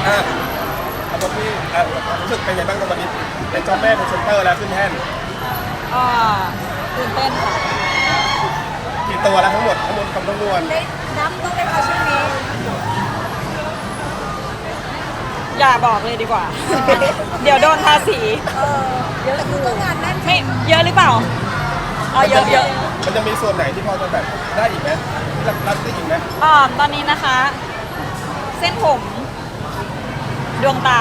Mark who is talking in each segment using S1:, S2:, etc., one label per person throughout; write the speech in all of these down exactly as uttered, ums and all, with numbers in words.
S1: อ่ะเอาตัวพี่อ่ะรู้สึกเป็นไงบ้างตอนนี้เป็นเจ้าแม่เป็นเซนเตอร์แล้วขึ้นแท่น
S2: อ่าตื่นเต้นค่ะ
S1: กี่ตัวแล้วทั้งหมดทั้งหมดคำทั้งมวล
S3: ได้นับต้องได้คะช่วงนี้
S2: อย่าบอกเลยดีกว่า เดี๋ยวโดนภาษี
S3: เออเดี๋ยวคือก็งานแน่น
S2: ไม่เยอะหรือเปล่าอ๋อเยอะเยอะ
S1: มันจะมีส่วนไหนที่พอจะแบบได้อีกไหมรับรับได้อีกไหม
S2: อ่าตอนนี้นะคะ เส้นผมดวงตา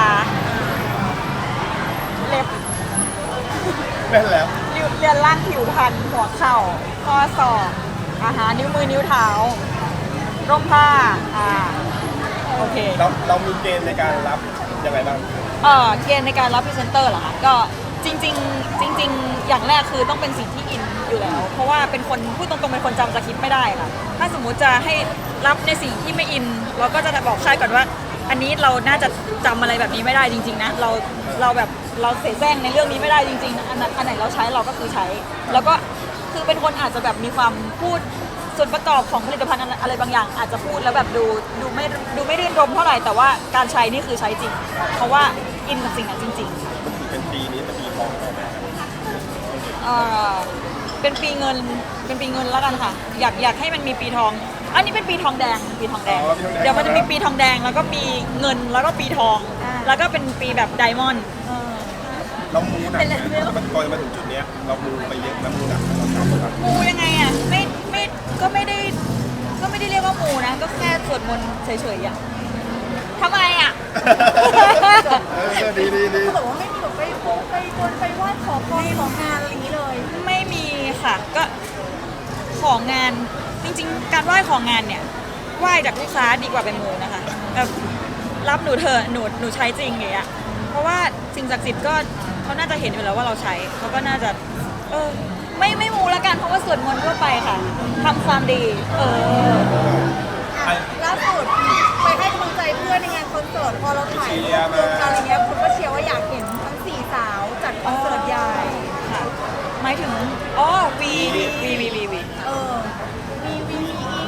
S2: เล็บ
S1: แม่นแล้ว
S2: เรือนร่างผิวพรรณหัวเข่าข้อศอกอาหารนิ้วมือนิ้วเท้าร่มผ้าอ่าโอเค
S1: เราเรามีเกณฑ์ในการรับยังไงบ้าง
S2: เออเกณฑ์ในการรับพรีเซนเตอร์เหรอคะก็จริงๆจริงๆอย่างแรกคือต้องเป็นสิ่งที่อินอยู่แล้วเพราะว่าเป็นคนพูดตรงๆเป็นคนจำสคริปต์ไม่ได้ค่ะถ้าสมมุติจะให้รับในสิ่งที่ไม่อินเราก็จะบอกค่ายก่อนว่าอันนี้เราน่าจะจำอะไรแบบนี้ไม่ได้จริงๆนะเราเราแบบเราเสแสร้งในเรื่องนี้ไม่ได้จริงๆนะอันนั้นอันไหนเราใช้เราก็คือใช้แล้วก็คือเป็นคนอาจจะแบบมีความพูดส่วนประกอบของผลิตภัณฑ์อะไรบางอย่างอาจจะพูดแล้วแบบดูดูไม่ดูไม่รื่นรมเท่าไหร่แต่ว่าการใช้นี่คือใช้จริงเพราะว่าอินกับสิ่งนั้นจริง
S1: ๆเป็นปีนี้เป็นปีทอง
S2: เออเป็นปีเงินเป็นปีเงินแล้วกันค่ะอยากอยากให้มันมีปีทองอันนี้เป็นปีทองแดงปีทองแดงเดี๋ยวมันจะมีปีทองแดงแล้วก็ปีเงินแล้วก็ปีทองแล้วก็เป็นปีแบบไดมอนด์
S1: เรามูหนักมันก่อนมาถึงจุดนี้เรามูไปเยอะนะมูหนัก
S2: มูยังไงอ่ะไม่ไม่ก็ไม่ได้ก็ไม่ได้เรียกว่ามูนะก็แค่สวดมนต์เฉยๆอ่ะทำไมอ่ะ
S1: ดีดีดี
S3: เขาบอกว่าไม่มีแบบไปโพไปบนไปไหว้ขอพรของานอะไรนี้เลย
S2: ไม่มีค่ะก็ของงานจริงๆการไหว้ของงานเนี่ยไหว้จากลูกค้าดีกว่าไปมูนะคะแบบรับหนูเถอะหนูหนูใช้จริงอย่างเงี้ยเพราะว่าสิ่งศักดิ์สิทธิ์ก็เขาน่าจะเห็นอยู่แล้วว่าเราใช้เขาก็น่าจะเออไม่ไม่มูละกันเพราะว่าสวดมนต์ทั่วไปค่ะทำความดีเออ
S3: ล่าสุดไปให้กำลังใจเพื่อนในงานคอนเสิร์ตพอเราถ่ายรูปลงอะไรเงี้ยคุณก็เชียร์ว่าอยากเห็นทั้งสี่สาวจัดคอนเสิร์ตใหญ่
S2: ค่ะหมายถึงอ๋อวีวีวีวีวี
S3: เออวีวี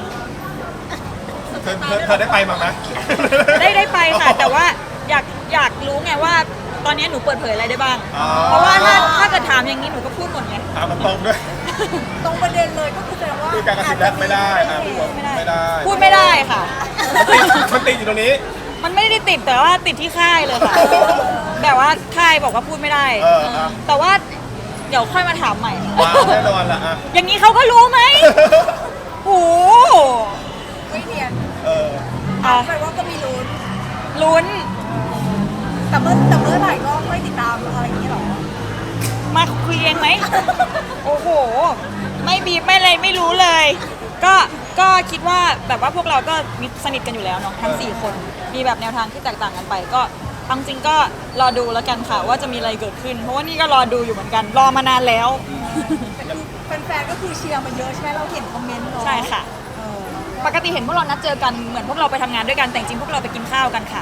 S1: เธอเธอได้ไปมาไหม
S2: ได้ได้ไปค่ะแต่ว่าอยากอยากรู้ไงว่าตอนนี้หนูเปิดเผยอะไรได้บ้างเพราะว่าถ้าถ้าเกิดถามอย่างนี้หนูก็พูดหมดไง
S1: ถามมันตรงด้วย
S3: ตรงประเด็นเลยก็คือแสดงว่า
S1: คือการกระสิบแรกไม่ได้ไม่ได้
S2: พูดไม่ได้ค่ะ
S1: มันติดอยู่ตรงนี้
S2: มันไม่ได้ติดแต่ว่าติดที่ค่ายเลยค่ะแบบว่าค่ายบอกว่าพูดไม่ได้แต่ว่าเดี๋ยวค่อยมาถามใหม่
S1: แน่นอนละอ่ะ
S2: อย่างนี้เขาก็รู้ไหมโอ้
S3: ไม่เนียน
S1: เออ
S3: แปลว่าก็มีลุ้น
S2: ลุ้น
S3: แต่เมื่อแต่เมื่อไหร่ก็ค่อยติดตามอะไรอย่างนี้หรอ
S2: มาคุยเองไหมโอ้โหไม่บีบไม่เลยไม่รู้เลยก็ก็คิดว่าแบบว่าพวกเราก็มีสนิทกันอยู่แล้วเนาะทั้งสี่คนมีแบบแนวทางที่แตกต่างกันไปก็ทั้งจริงก็รอดูแล้วกันค่ะว่าจะมีอะไรเกิดขึ้นเพราะว่านี่ก็รอดูอยู่เหมือนกันรอมานานแล้ว
S3: แฟนๆก็คือเชียร์มาเยอะใช่ไหมเราเห็นคอมเมนต์เนาะ
S2: ใช่ค่ะปกติเห็นพวกเรานัดเจอกันเหมือนพวกเราไปทำงานด้วยกันแต่จริงพวกเราไปกินข้าวกันค่ะ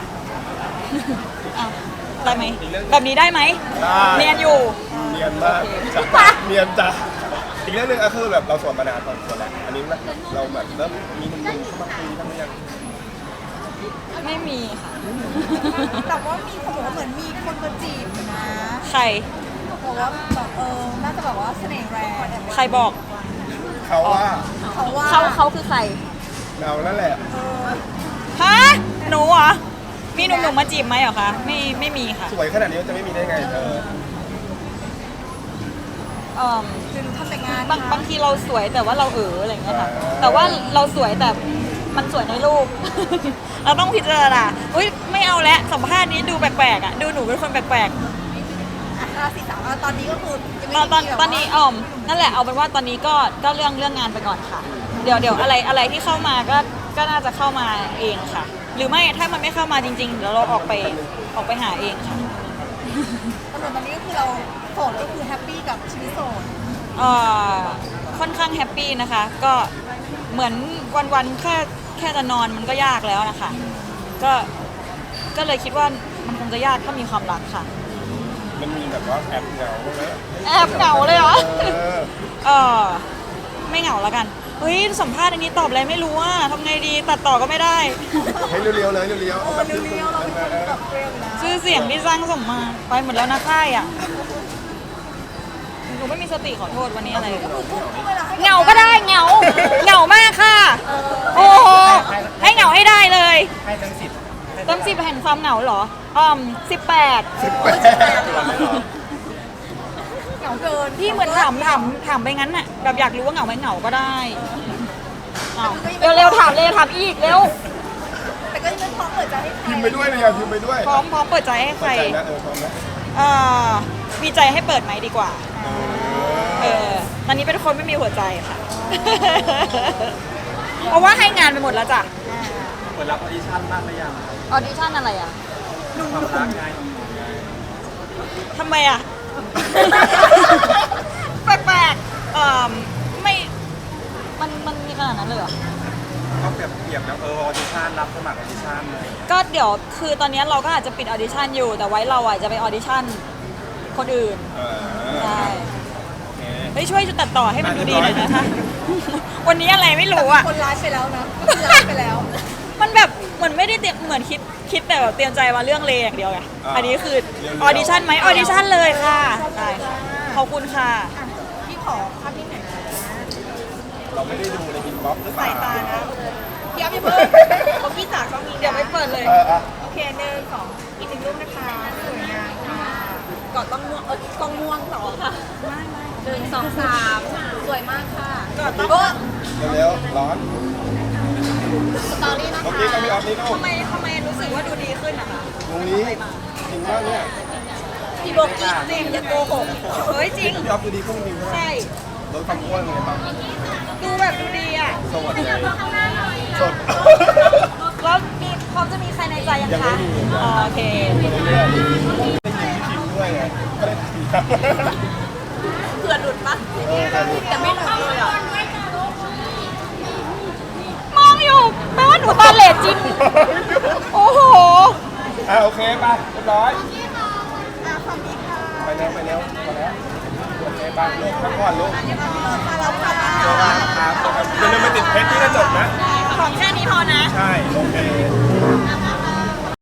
S2: ได้ไหมแบบนี้ได้ไหมเนียนอยู่
S1: เนียนมากเนียนจ้ะอีกเรื่องหนึ่งก็คือแบบเราสวนมานานพอสมควรแล้วอันนี้เราแบบเริ่มมีหนุ่มๆเข้ามาคุยบ้างหรือยัง
S2: ไม่มีค่ะ
S3: แต่ว่ามีคนบอกว่าเหมือนมีคนมาจีบนะ
S2: ใคร
S3: บอกว่าแบบเออน่าจะแบบว่าเสน่ห์แรง
S2: ใครบอก
S1: เขาว่า
S3: เขาว่า
S2: เขาเขาคือใคร
S1: เรานั่นแหละ
S2: ฮะหนูเหรอมีหนุ่มๆมาจีบไหมเหรอคะไม่ไม่มีค่ะ
S1: สวยขนาดนี้จะไม่มีได้ไงเธอ
S2: เออ
S3: คือทำแต่งาน
S2: บางบางทีเราสวยแต่ว่าเราเอออะไรอย่างเงี้ยค่ะแต่ว่าเราสวยแต่มันสวยในรูปเราต้องพิจารณาอุ้ยไม่เอาแล้วสัมภาษณ์นี้ดูแปลกๆอ่ะดูหนูเป็นคนแปลก
S3: ๆราศีสาวตอนนี้ก็คือ
S2: ตอนตอนตอนนี้อ๋อนั่นแหละเอาเป็นว่าตอนนี้ก็ก็เรื่องเรื่องงานไปก่อนค่ะเดี๋ยวเดี๋ยวอะไรอะไรที่เข้ามาก็ก็น่าจะเข้ามาเองค่ะหรือไม่ถ้ามันไม่เข้ามาจริงๆเดี๋ยวเราออกไปออกไปหาเองค่ะ
S3: ตอนนี้ก็คือเราโสดก็คือแฮปปี้กับชีวิตโสด
S2: เอ่อค่อนข้างแฮปปี้นะคะก็เหมือนวันๆแค่แค่จะนอนมันก็ยากแล้วนะคะก็ก็เลยคิดว่ามันคงจะยากถ้ามีความรักค่ะ
S1: มันมีแบบว่าแอบเหงาไหม
S2: แอบเหงาเลยเหรอเออไม่เหงาแล้วกันเฮ้ยสัมภาษณ์อันนี้ตอบอะไรไม่รู้ว่าทำไงดีตัดต่อก็ไม่ได้
S1: ให้เรียวๆเลยเรียวๆเอาแบบ
S3: เรียวๆเราเป็นคนแบบเรียวนะ
S2: ชื่อเสียงที่สร้างสมมาไปหมดแล้วนะค่ายอ่ะหนูไม่มีสติขอโทษวันนี้อะไร
S3: ก็คือทุกเวลาให้
S2: เหงาก็ได้เหงาเหงามากค่ะ โอ้โหให้เหงาให้ได้เลย
S4: ให้ทั้งสิบ
S2: เต็มสิบแห่งความเหงาเหรออ่อมสิบแปด
S1: สิบแปด
S3: เหงาเกิน
S2: พี่เหมือนถามถามถามไปงั้นน่ะแบบอยากรู้ว่าเหงาไหมเหงาก็ได้เอาเร็วๆถามเลยถามอีกเร็ว
S3: แต่ก็ยังไม่พร้อมเปิดใจให้ใคร
S1: พิมพ์ไปด้วยนะอย่าพิมพ์ไปด้วย
S2: พร้อมพร้อมเปิดใจให้ใคร
S1: เข้าใจนะเออพร้อมนะ
S2: เอ่อมีใจให้เปิดไหมดีกว่า เออตอนนี้เป็นคนไม่มีหัวใจค่ะ เพราะว่าให้งานไปหมดแล้วจ้ะ
S4: เปิดรับออดิชั่นบ้างหรือยัง
S2: ออดิชั่นอะไรอ่ะ
S4: ความรักไง
S2: ทำไมอ่ะ แปลกๆเอ่อไม่ มันมันมีขนาดนั้นเลยเหรอ
S4: ก็เปรียบเปรียบแล้วเออออดิชั่นรับสมัครออดิชั่นเลย
S2: ก็เดี๋ยวคือตอนนี้เราก็อาจจะปิดออดิชั่นอยู่ แต่ไว้เราอ่ะจะไปออดิชั่นคนอื่น
S1: เออ
S2: ใช่
S1: โอเค
S2: เฮ้ยช่วยตัดต่อให้มันดูดีหน่อยนะคะ วันนี้อะไรไม่รู้อ่ะ
S3: คนร้ายไปแล้วนะก็คือร้ายไปแล้ว
S2: มันแบบเหมือนไม่ได้เตรียมเหมือนคิดคิดแต่แบบเตรียมใจมาเรื่องเลอย่างเดียวไง อันนี้คือออดิชั่นไหมออดิชั่นเลยค่ะได้ขอบคุณค่ะ
S3: อ่ะพี่ขอภาพนี้หน่อยนะ
S1: เราไม่ได้ดูในอินบ็อกซ์หรือเป
S3: สา
S1: ล่าย
S3: ตานะพี่เอาพี่เพิ่มเขาพี่จากก็มี
S2: เดี๋ยวไปเปิดเลย
S1: เอออ่ะ
S3: โอเคหนึ่งสองอีกหนึ่งรูปนะคะสวยงามค่ะก่อนต้องม่วงเออกองม่วงต่อค่ะไม่ไม่หนึ่งสองสามสวยมากค่ะก่อนต้อง
S1: เร็วๆร้อน
S3: สตอรี่นะ
S1: เมื่อ
S3: คะ
S1: กี้ก็มีออฟนี่ก็
S2: ทำไมทำไมรู้สึกว่าดูดีขึ้นอะคะ
S1: ตรงนี้จริงมากเนี่ย
S2: พี่โบกี้จริงอย่าโกหกเฮ้ยจริง
S1: พี่ออฟดูดีขึ้นจริงใช่ไหม
S2: ใช่
S1: ลดความอ้วนเลยป่ะ
S2: ดูแบบดูดีอ่ะ
S1: สวัสดีสด
S2: แล้วมีพร้อมจะมีใครในใจยัง
S1: ยังไม่
S2: คะ
S1: มี
S2: อ๋อโอเค
S1: เรื่อยๆได้ยินพี่คิวด้วยไงก็เลยถาม
S3: เผื่อหลุดปะ
S1: เออแต่ดู
S3: แต่ไม่หลุดเลยอ่ะ
S2: มองอยู่แปลว่าหนูตาเหล่จริง โอ้โห
S1: อ่ะโอเคไปเรียบร้อย
S3: อ่ะความดีค่ะ
S1: ไปเร็วไปเร็วพอแล้วโอเคไปลูกพักผ่อนลูก
S3: มาเราค่ะ
S1: เจอกันครับอย่าลืมไปติดเพชรที่กระจกนะ
S2: ของแค่นี้พอนะ
S1: ใช่ โอเค